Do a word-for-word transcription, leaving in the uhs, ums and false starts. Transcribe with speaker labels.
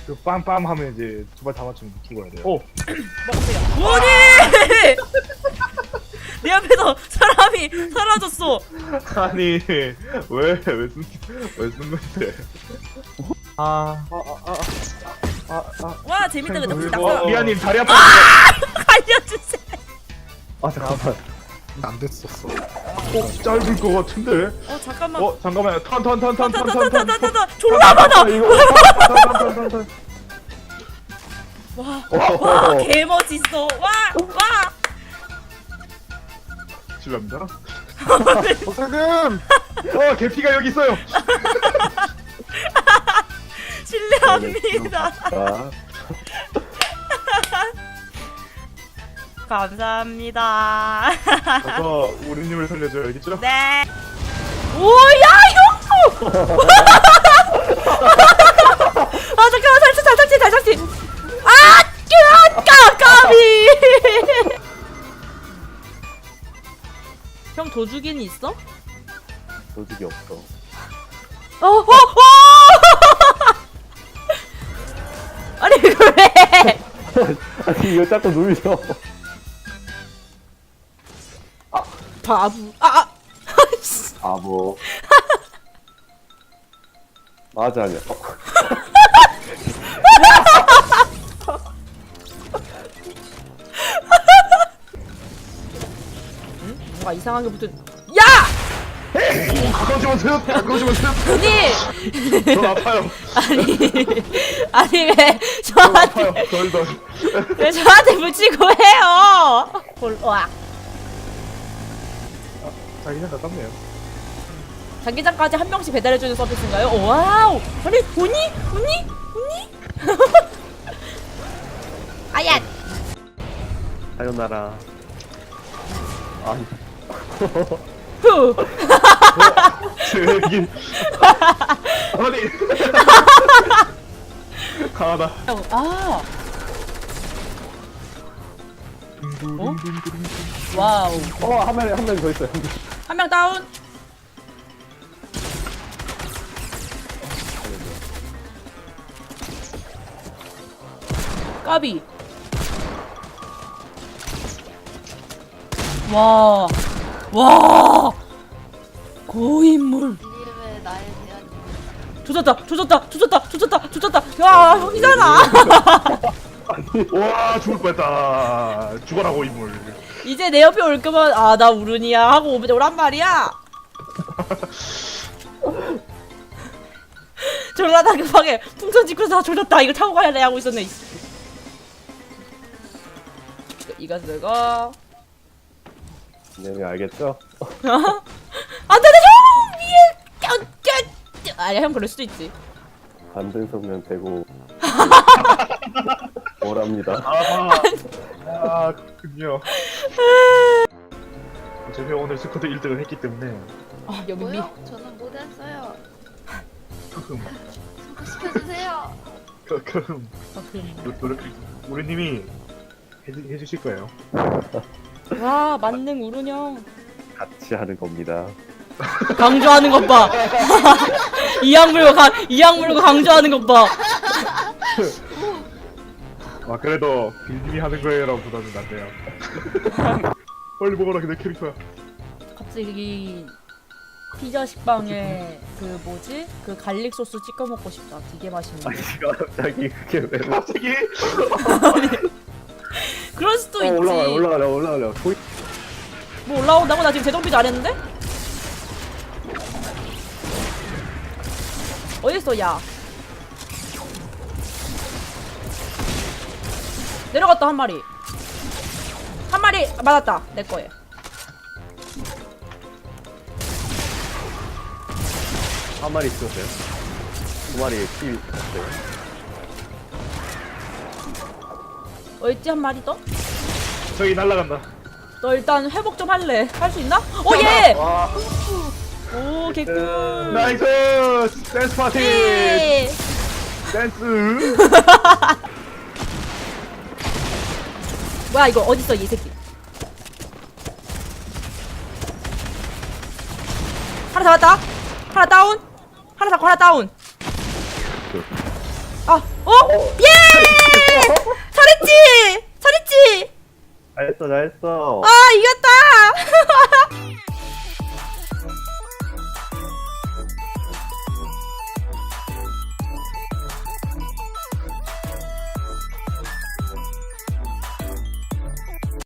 Speaker 1: 그 빰빰 하면 이제 두 발 다 맞추면 죽어야 돼요. 오!
Speaker 2: 먹으세요. 구원이! 내 앞에서 사람이 사라졌어.
Speaker 1: 아니 왜왜쓴왜쓴 건데? 아, 아, 아, 아, 아,
Speaker 2: 와 재밌다. 근데 혹시
Speaker 1: 어,
Speaker 2: 낙서
Speaker 1: 미아님 다리 아파.
Speaker 2: 알려주세요.
Speaker 1: 아 잠깐만. 안 됐었어. 어 짧을 것 같은데?
Speaker 2: 어 잠깐만.
Speaker 1: 어 잠깐만요.
Speaker 2: 턴턴턴턴턴턴턴턴턴 졸라 많아. 와, 와, 개 멋있어. 와, 와.
Speaker 1: 실례합니다. 박사금. 어 개피가 여기 있어요.
Speaker 2: 실례합니다.
Speaker 3: 아,
Speaker 2: 감사합니다.
Speaker 1: 가서 우리님을 살려줘요. 알겠죠?
Speaker 2: 네. 오야 이거. 아 잠깐만 살짝 살짝지 살짝지. 아, 까 까비. 형 도주기는 있어?
Speaker 3: 도둑이 없어.
Speaker 2: 어, 어, 어! 아니 이거 왜?
Speaker 3: 아니 이거 자꾸 눌려.
Speaker 2: 바보. 아, 아.
Speaker 3: 아 뭐. 맞아 아니야. 어.
Speaker 2: 응? 뭔가 이상하게 붙은. 야!
Speaker 1: 가까우지 마세요. 가까우지 마세요.
Speaker 2: 아니.
Speaker 1: 저 아파요.
Speaker 2: 아니. 아니 왜
Speaker 1: 저
Speaker 2: 저한테
Speaker 1: 아파요. 덜 덜.
Speaker 2: 왜 저한테 붙이고 해요? 볼, 와.
Speaker 1: 자기는 가깝네요.
Speaker 2: 장기장까지 한 명씩 배달해주는 서비스인가요? 오, 와우. 아니 보니? 보니? 보니? 아야.
Speaker 3: 사요나라. 아니.
Speaker 2: 후.
Speaker 1: 제 얘기. 아니. 강하다.
Speaker 2: 아. 어? 와우.
Speaker 3: 어한 명이 한 명이 더 있어요.
Speaker 2: 한 명 다운. 까비. 와. 와. 고인물.
Speaker 4: 이름에 나에 대한
Speaker 2: 조졌다. 조졌다. 조졌다. 조졌다. 조졌다. 야, 형이잖아.
Speaker 1: 와 죽을 뻔했다. 죽어라고 인물.
Speaker 2: 이제 내 옆에 올 거면 아, 나 우른이야 하고 오면 오란 말이야. 졸라 다급하게 풍선 짓고서 조졌다. 이거 타고 가야 돼 하고 있었네. 이거 쓰고.
Speaker 3: 네 알겠죠?
Speaker 2: 안돼 형 위에 껴껴. 아니야 형 그럴 수도 있지.
Speaker 3: 반등석면 되고. 뭐랍니다.
Speaker 1: 아, 아, 그군요. 제가 오늘 스쿼드 일 등을 했기 때문에
Speaker 2: 아 여기 미.
Speaker 4: 뭐요? 저는 못했어요.
Speaker 1: 크흠,
Speaker 4: 소개시켜주세요.
Speaker 1: 크- 크흠.
Speaker 2: 아, 그럼.
Speaker 1: 노- 노력 우리님이 해주, 해주실 거예요.
Speaker 2: 와 만능 우른 형.
Speaker 3: 같이 하는 겁니다.
Speaker 2: 강조하는 것 봐. 이악 물고 강 이악 물고 강조하는 것 봐.
Speaker 1: 아 그래도 빌님이 하는 거예요라고 보다는 낫네요. 빨리 먹어라 내 캐릭터야.
Speaker 2: 갑자기 피자 식빵에 그 뭐지? 그 갈릭 소스 찍어 먹고 싶다. 되게 맛있는데.
Speaker 3: 아니 갑자기 그게 왜?
Speaker 1: 갑자기
Speaker 2: 그럴 수도
Speaker 3: 어,
Speaker 2: 있지.
Speaker 3: 올라가요 올라가요 올라가요. 보이...
Speaker 2: 뭐 올라온다고? 나 지금 재정비 잘했는데? 어딨어 야. 내려갔다 한 마리. 한 마리 맞았다. 내 거에.
Speaker 3: 한 마리 있었어요. 두 마리 피 있었어요.
Speaker 2: 어딨지 한 마리 더?
Speaker 1: 저기 날라간다.
Speaker 2: 너 일단 회복 좀 할래. 할 수 있나? 오 예!
Speaker 1: 와
Speaker 2: 오 개꿀.
Speaker 1: 나이스 댄스 파티
Speaker 2: 예!
Speaker 1: 댄스.
Speaker 2: 뭐야 이거 어딨어 이 새끼. 하나 잡았다. 하나 다운. 하나 잡고 하나 다운. 아, 어? 예! 잘했지! 잘했지!
Speaker 3: 잘했어, 잘했어.
Speaker 2: 아, 이겼다!